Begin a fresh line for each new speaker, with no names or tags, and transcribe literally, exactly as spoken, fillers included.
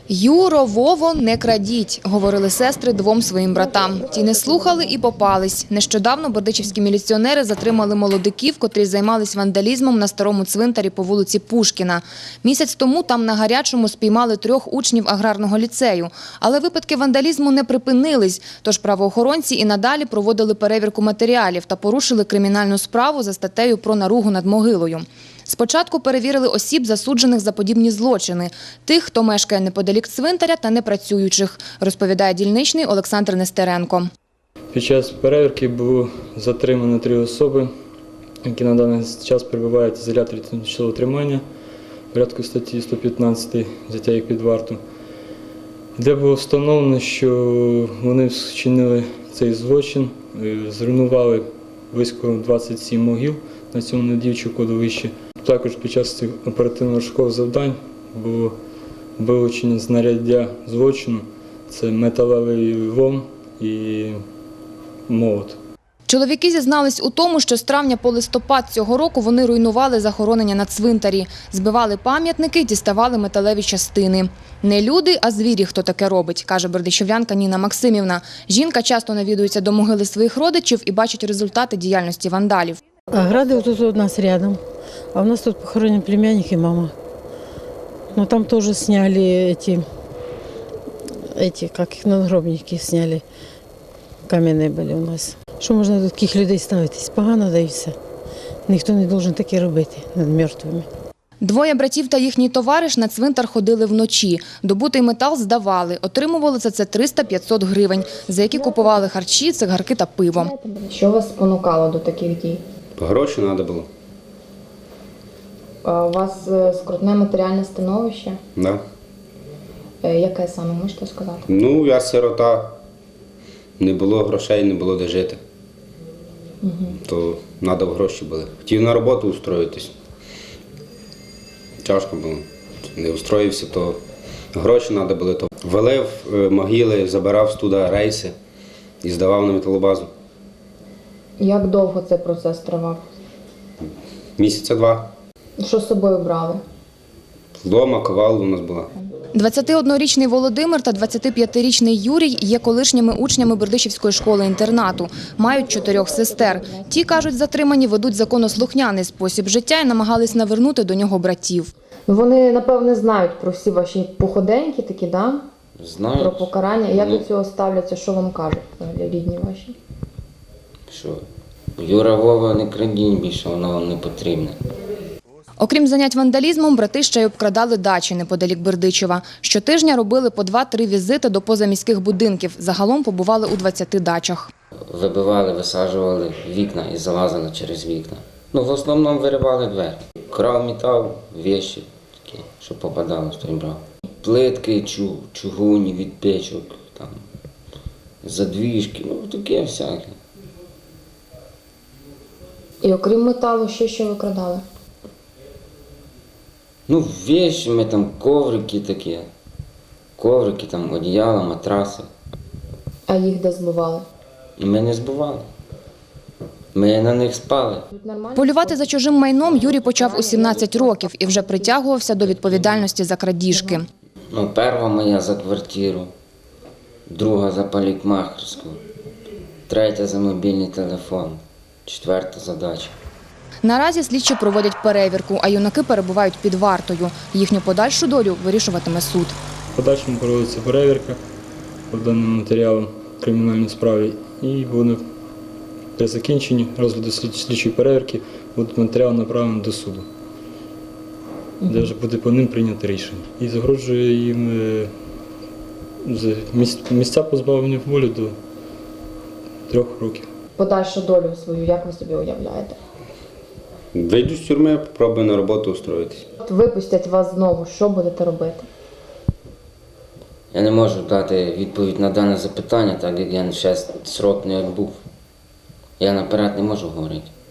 «Юро, Вово, не крадіть», – говорили сестри двом своїм братам. Ті не слухали і попались. Нещодавно бердичівські міліціонери затримали молодиків, котрі займались вандалізмом на старому цвинтарі по вулиці Пушкіна. Місяць тому там на гарячому спіймали трьох учнів аграрного ліцею. Але випадки вандалізму не припинились, тож правоохоронці і надалі проводили перевірку матеріалів та порушили кримінальну справу за статтею про наругу над могилою. Спочатку перевірили осіб, засуджених за подібні злочини – тих, хто мешкає неподалік цвинтаря та непрацюючих, розповідає дільничний Олександр Нестеренко.
Під час перевірки було затримано три особи, які на даний час перебувають в ізоляторі тимчасового тримання в порядку статті сто п'ятнадцять «Взяття їх під варту», де було встановлено, що вони вчинили цей злочин, зруйнували близько двадцяти сім могил на цьому недіючому кладовищі. Також під час цих оперативно-розшукових завдань було вилучення знаряддя злочину – це металевий лом і молот.
Чоловіки зізнались у тому, що з травня по листопад цього року вони руйнували захоронення на цвинтарі, збивали пам'ятники, діставали металеві частини. Не люди, а звірі, хто таке робить, каже бердичівлянка Ніна Максимівна. Жінка часто навідується до могили своїх родичів і бачить результати діяльності вандалів.
Ограды вот тут у нас рядом, а у нас тут похоронен племянник и мама. Но там тоже сняли эти, эти как их, надгробники сняли, каменные были у нас. Що можна до таких людей ставитись? Погано, да і все. Ніхто не повинен таке робити над мертвими.
Двоє братів та їхній товариш на цвинтар ходили вночі. Добутий метал здавали. Отримували за це триста-п'ятсот гривень, за які купували харчі, цигарки та пиво.
Що вас спонукало до таких дій?
Гроші треба було.
А у вас скрутне матеріальне становище?
Да.
Яке саме, можете сказати?
Ну, я сирота. Не було грошей, не було де жити.
Угу. То
треба гроші були. Хотів на роботу устроїтись. Тяжко було. Не устроївся, то гроші треба були. То валив могили, забирав туди рейси і здавав на металобазу.
Як довго цей процес тривав?
Місяця два.
Що з собою брали?
Лома, ковал у нас була.
двадцятиоднорічний Володимир та двадцятип'ятирічний Юрій є колишніми учнями Бердичівської школи-інтернату. Мають чотирьох сестер. Ті, кажуть, затримані ведуть законослухняний спосіб життя і намагались навернути до нього братів.
Вони, напевне, знають про всі ваші походеньки такі, да?
Знають.
Про покарання. Як
Ну.
до цього ставляться, що вам кажуть рідні ваші?
Що? Юра, Вова, не крадіть більше, воно вам не потрібне.
Окрім занять вандалізмом, брати ще й обкрадали дачі неподалік Бердичева. Щотижня робили по два-три візити до позаміських будинків. Загалом побували у двадцяти дачах.
Вибивали, висаджували вікна і залазили через вікна. Ну, в основному виривали двері. Крав метал, вещі такі, що попадалось, то й брав. Плитки, чу, чугуні від печок, там, задвіжки, ну таке всяке.
І окрім металу, ще що викрадали?
Ну, вещи, ми там коврики такі, коврики, там одіяла, матраси.
А їх де збивали?
І ми не збивали. Ми на них спали.
Полювати за чужим майном Юрій почав у сімнадцять років і вже притягувався до відповідальності за крадіжки.
Ну, перша моя за квартиру, друга за парикмахерську, третя за мобільний телефон, четверта за дачу.
Наразі слідчі проводять перевірку, а юнаки перебувають під вартою. Їхню подальшу долю вирішуватиме суд.
В подальшому проводиться перевірка по даним матеріалам кримінальної справи і буде при закінченні розгляду слідчої перевірки буде матеріал направлений до суду, де вже буде по ним прийнято рішення. І загрожує їм місця позбавлення волі до трьох років.
Подальшу долю свою, як ви собі уявляєте?
Вийду з тюрми, попробую на роботу устроїтись.
От випустять вас знову, що будете робити?
Я не можу дати відповідь на дане запитання, так як я ще срок не відбув. Я наперед не можу говорити.